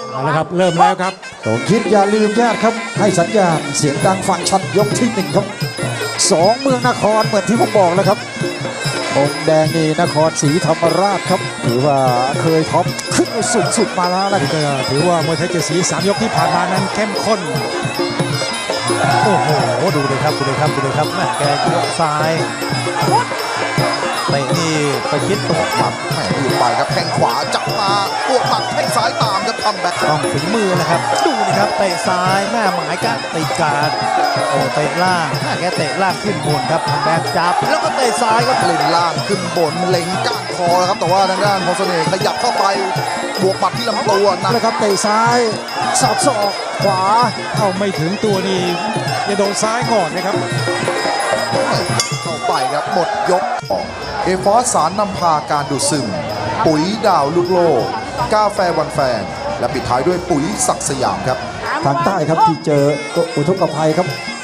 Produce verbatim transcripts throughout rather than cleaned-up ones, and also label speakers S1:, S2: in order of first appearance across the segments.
S1: เอาละครับเริ่มแล้วครับ
S2: สมคิดอย่าลืมญาติครับให้สัญญาณเสียงดังฟังชัดยกที่หนึ่งครับสองเมืองนครเหมือนที่ผมบอกแล้วครับองค์แดงนี่นครศรีธรรมราชครับถือว่าเคยท็อปขึ้นไปสูงสุดมาแล้วนะ
S1: นี่ก็ถือว่ามวยไทยเจ็ดสีสามยกที่ผ่านมานั้นเข้มข้น
S3: โอ้โหดูเลยครับดูเลยครับดูเลยครับแม่แกยกซ้ายเตะนี่ไปคิดตัวหมัด
S4: แหม่ดีไปครับแข้งขวาจับมาบวกหมัดแข้งซ้ายตามครับทำแบ็ค
S3: ต้องฝีมือนะครับดูนะครับเตะซ้ายแม่หมายการติดการโอ้เตะล่างแม่แกเตะล่างขึ้นบนครับแบกจับแล้วก็เตะซ้ายครับ
S4: เล่นล่างขึ้นบนเล็งก้านคอแล้วครับแต่ว่าทางด้านพรเสน่ห์ขยับเข้าไปบวกหมัดที่ลำตัวหนัก
S2: นะครับเตะซ้ายสอบศอกขวา
S1: เอาไม่ถึงตัวนี่จะโดนซ้ายก่อนนะครับ
S4: เข้าไปครับหมดยกเอฟอสสารนำพาการดูดซึมปุ๋ยดาวลูกโลกกาแฟวันแฟนและปิดท้ายด้วยปุ๋ยศักดิ์สยามครับ
S2: ทางใต้ครับที่เจออุทกภัยครับ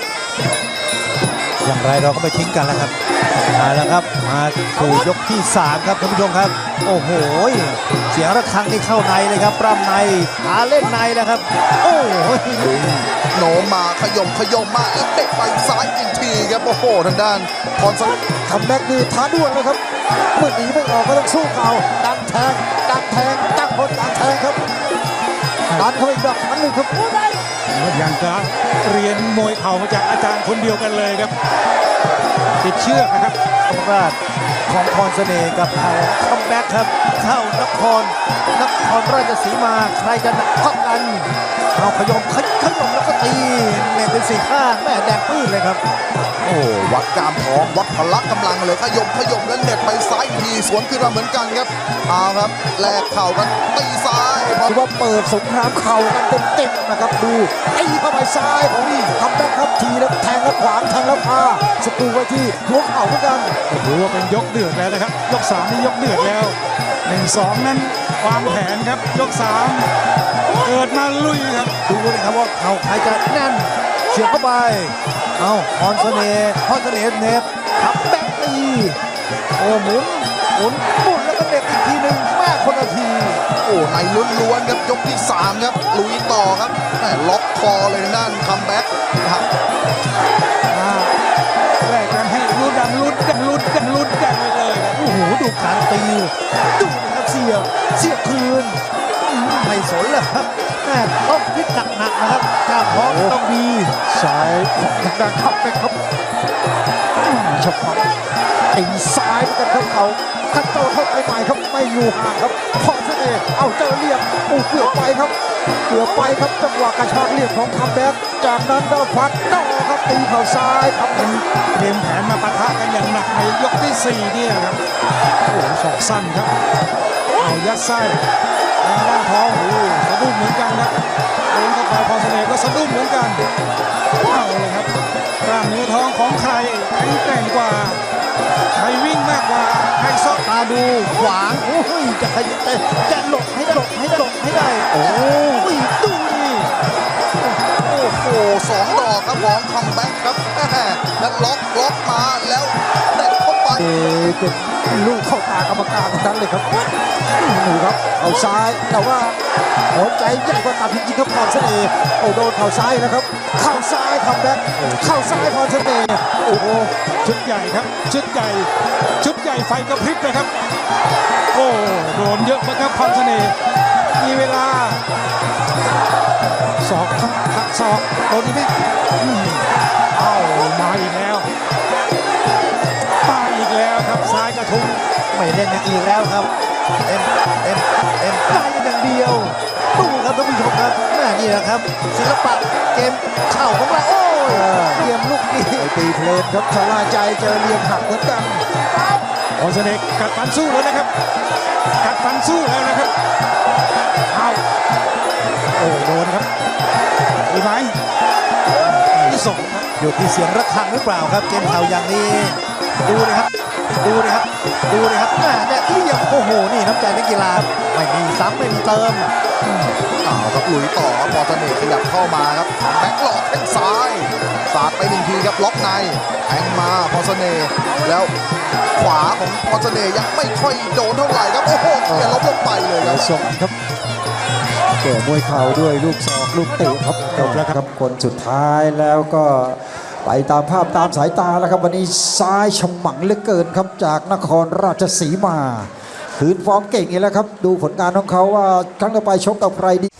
S3: อย่างไรเราก็ไม่ทิ้งกันแล้วครับมาแล้วครับมาสู่ยกที่สามครับท่านผู้ชมครับโอ้โหเสียงระฆังที่เข้าในเลยครับปล้ำในหาเล่นในแล้วครับโอ้โห
S4: โหนมมาขยมขยมมาแล้วเด็กไปซ้ายอีกทีครับโอ้โหทางด้านพรสวรรค์
S2: ทำแบ็กนี่ท้าด่วนนะครับเมื่อหนีไม่ออกก็ต้องสู้เข่าดันแทงดันแทงตั้งคนดันแทงครับดันเข้าไปอีกดอกครั้งหนึ่งครับ
S1: อย่างกับเรียนมวยเข่ามาจากอาจารย์คนเดียวกันเลยครับติดเชือกนะครับ
S3: ธรรมราชของพรเสน่ห์กับเขาคัมแบ็กครับเข้านครนครราชสีมาใครจะหนักกว่ากันเอาขยมขยขยมแล้วก็ตีแม่เป็นสี่ข้างแม่แดงปื้นเลยครับ
S4: โอ้วัดกามท้องวัดพละกำลังเลยขยมขยมแล้วเน็ตไปซ้ายอีกทีสวนขึ้นมาเหมือนกันครับเอาครับแลกเข่ากันตีซ้ายพอ
S2: ถือว่าเปิดสงครามเข่ากันเต็มๆนะครับดูไอ้เข้าไปซ้ายของทำแบ็กครับทีแล้วแทงแล้วขวางแทงแล้วพาสกรูไว้ที่หัวเข่าเหมือนกัน
S1: ถือว่าเป็นยกเดือดแล้วนะครับยกสามนี่ยกเดือดแล้วหนึ่งสองนั้นวางแผนครับยกสามเกิดมาลุยครับ
S3: ดูเลยครับว่าเขาใครจะแน่นเฉียบเข้าไปเอาพรเสน่ห์พรเสน่ห์เน็บคัมแบ็กตีโอ้หมุนหมุนหมุนแล้วก็เน็บอีกทีหนึ่งแม่คนละที
S4: โอ้ในล้วนๆครับยกที่สามครับลุยต่อครับแหม่ล็อกคอเลยทางด้านคัมแบ็กครับ
S1: อ่าแรกกันให้ลุ้นกันลุ้นกันลุ้นกันลุ้นกันไปเลยครับ
S3: โอ้โหดูการตีดูนะครับเสียบเสียบคืนอืมไม่สนแล้วครับแม่ต้องพิษหนักๆนะครับกล้ามท้องต้องดี
S2: ซ้ายของทางด้านขับไปครับชกครับตีซ้ายเหมือนกันครับเขาคัดโตเข้าไปใหม่ครับไม่อยู่ห่างครับพอเสน่ห์เอาเจอเรียบอู้เกือบไปครับเกือบไปครับจังหวะกระชากเรียบของคัมแบ็กจากนั้นก็ฟัดต่อครับตีเข่าซ้ายครับ
S1: เป็นเตรียมแผนมาปะทะกันอย่างหนักในยกที่สี่เนี่ยครับโอ้โหศอกสั้นครับเอายัดไส้ทางด้านท้องโอ้โหสะดุ้งเหมือนกันครับโดนเข้าไปพอเสน่ห์ก็สะดุ้งเหมือนกันเอาเลยครับกล้ามเนื้อท้องของใครแข็งแกร่งกว่าใครวิ่งมากกว่าใครซอก
S3: ตาดูขวางโอ้ยจะขยับจะหลบให้ได้หลบให้ได้หลบให้ได้ โอ้ยดูนี่
S4: โอ้โหสองดอกครับของคัมแบ็กครับแม่แล้วล็อกล็อกมาแล้วเด็ดเข้าไป
S2: เอเป็นลูกเข้าตากรรมการทั้งนั้นเลยครับหนูครับเอาซ้ายแต่ว่าหัวใจใหญ่กว่าตับจริงๆครับพรเสน่ห์โอ้โดนเข่าซ้ายนะครับเข่าซ้ายคัมแบ็กเข่าซ้ายพรเสน่ห์โอ้โห
S1: ชุดใหญ่ครับชุดใหญ่ชุดใหญ่ไฟกระพริบนะครับโอ้โดนเยอะมากครับพรเสน่ห์มีเวลาศอกครับหักศอกโดนอีกไหมอืมเอามาอีกแล้วมาอีกแล้วครับซ้ายกระทุ้ง
S3: ไม่เล่นอย่างอื่นแล้วครับเอ็มเอ็มเอ็มได้อย่างเดียวดูครับท่านผู้ชมครับแม่นี่แหละครับศิลปะเกมเข่าของเราโอ้ยเกมลูกนี้
S2: ไอตีเพลนครับชะล่าใจเจอเหลี่ยมหักเหมือนกัน
S1: พรเสน่ห์กัดฟันสู้แล้วนะครับกัดฟันสู้แล้วนะครับเอาโอ้โดนครับมีไหมที่สองครับ
S3: อยู่ที่เสียงระฆังหรือเปล่าครับเกมเข่าอย่างนี้ดูนะครับดูนะครับดูนะครับแม่เนี่ยเอี่ยมโอ้โหนี่น้ำใจนักกีฬาไม่มีซ้ำไม่มีเติม
S4: เอาครับลุยต่อครับพอเสน่ห์ขยับเข้ามาครับแบ็คหลอกแข้งซ้ายสาดไปหนึ่งทีครับล็อกในแทงมาพอเสน่ห์แล้วขวาของพอเสน่ห์ยังไม่ค่อยโดนเท่าไหร่ครับโอ้โหเขียนล้มลงไปเลยค
S2: แล้
S4: รั
S2: ว
S4: บ
S2: ส่งครับแก่มวยเข่าด้วยลูกศอกลูกเตะครับจบแล้วครับคนสุดท้ายแล้วก็ไปตามภาพตามสายตาแล้วครับวันนี้ซ้ายฉมังเหลือเกินครับจากนครราชสีมาคืนฟอร์มเก่งอีกแล้วครับดูผลงานของเขาว่าครั้งต่อไปชกกับใครดี